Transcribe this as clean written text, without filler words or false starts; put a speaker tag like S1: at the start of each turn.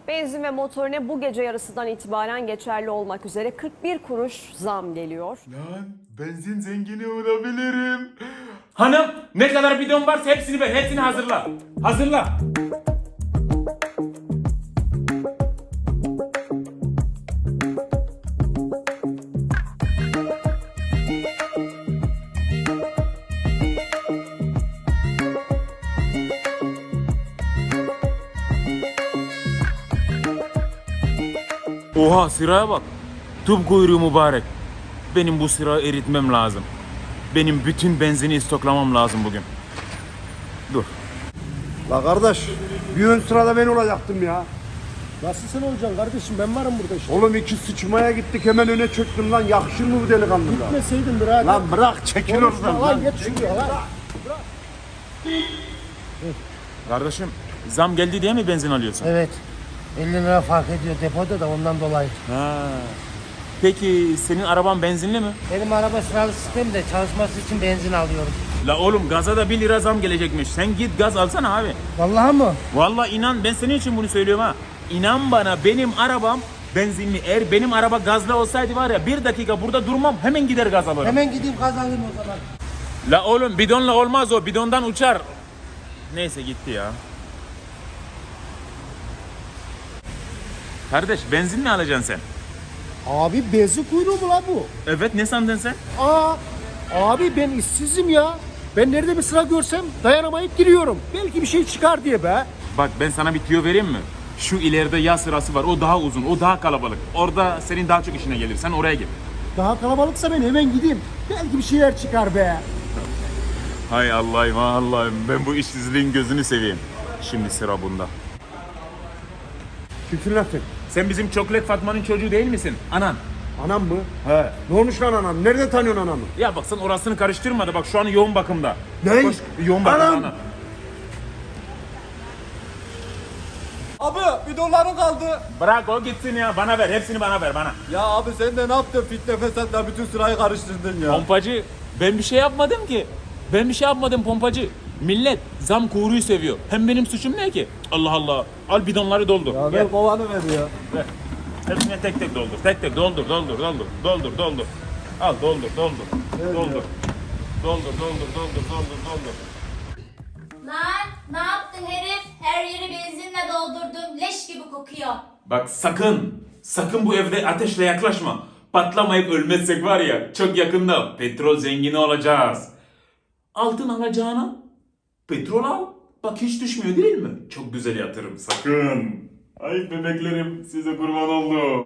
S1: Benzin ve motorine bu gece yarısından itibaren geçerli olmak üzere 41 kuruş zam geliyor.
S2: Lan benzin zengini olabilirim.
S3: Hanım ne kadar bidon varsa hepsini ver. Hepsini hazırla. Hazırla. Oha sıraya bak. Tüp kuyruğu mübarek. Benim bu sırayı eritmem lazım. Benim bütün benzini stoklamam lazım bugün. Dur.
S4: La kardeş, bir ön sırada ben olacaktım ya.
S5: Nasıl sen olacaksın kardeşim, ben varım burada işte.
S4: Oğlum iki sıçmaya gittik hemen öne çöktüm lan. Yakışır mı bu delikanlı lan?
S5: Gitmeseydin birader.
S4: Lan bırak çekil
S5: Konuşma
S4: oradan
S5: lan,
S4: lan.
S5: geç şuraya lan.
S3: Kardeşim zam geldi diye mi benzin alıyorsun?
S5: Evet. 50 lira fark ediyor depoda da ondan dolayı.
S3: Ha. Peki senin araban benzinli mi?
S5: Benim araba sıralı sistemde çalışması için benzin alıyorum.
S3: La oğlum gaza da 1 lira zam gelecekmiş. Sen git gaz alsana abi.
S5: Vallahi mı?
S3: Vallahi inan ben senin için bunu söylüyorum ha. İnan bana benim arabam benzinli. Eğer benim araba gazlı olsaydı var ya 1 dakika burada durmam hemen gider gaz alırım.
S5: Hemen gideyim kazanayım o zaman.
S3: La oğlum bidonla olmaz o bidondan uçar. Neyse gitti ya. Kardeş benzin mi alacaksın sen?
S5: Abi benzin kuyruğu mu lan bu?
S3: Evet ne sandın sen?
S5: Abi ben işsizim ya. Ben nerede bir sıra görsem dayanamayıp giriyorum. Belki bir şey çıkar diye be.
S3: Bak ben sana bir tüyo vereyim mi? Şu ileride yağ sırası var. O daha uzun, o daha kalabalık. Orada senin daha çok işine gelir. Sen oraya git.
S5: Daha kalabalıksa ben hemen gideyim. Belki bir şeyler çıkar be.
S3: Hay Allah'ım, Allah'ım. Ben bu işsizliğin gözünü seveyim. Şimdi sıra bunda.
S4: Kimsin lan sen?
S3: Sen bizim Çoklet Fatma'nın çocuğu değil misin? Anan.
S4: Anam mı?
S3: He.
S4: Ne olmuş lan anam? Nerede tanıyorsun anamı?
S3: Ya bak sen orasını karıştırma da bak şu an yoğun bakımda.
S4: Ne?
S3: Koş, yoğun bakımda
S4: Anam!
S3: ana.
S6: Abi bidonlarım kaldı.
S3: Bırak o gitsin ya. Bana ver. Hepsini bana ver bana.
S6: Ya abi sen de ne yaptın? Fitne fesatla bütün sırayı karıştırdın ya.
S3: Pompacı ben bir şey yapmadım ki. Ben bir şey yapmadım pompacı. Millet zam kuyruğu seviyor. Hem benim suçum ne ki? Allah Allah. Al bidonları doldur.
S6: Ya
S3: Gel.
S6: ver kovanı ver ya.
S3: Ver. Hepsine tek tek doldur. Tek tek doldur. Al doldur. Doldur. Doldur.
S7: Lan ne yaptın herif? Her yeri benzinle doldurdum. Leş gibi kokuyor.
S3: Bak sakın bu evde ateşle yaklaşma. Patlamayıp ölmezsek var ya çok yakında petrol zengini olacağız. Altın alacağına petrol al. Bak hiç düşmüyor değil mi? Çok güzel yatırım sakın. Ay bebeklerim size kurban oldu.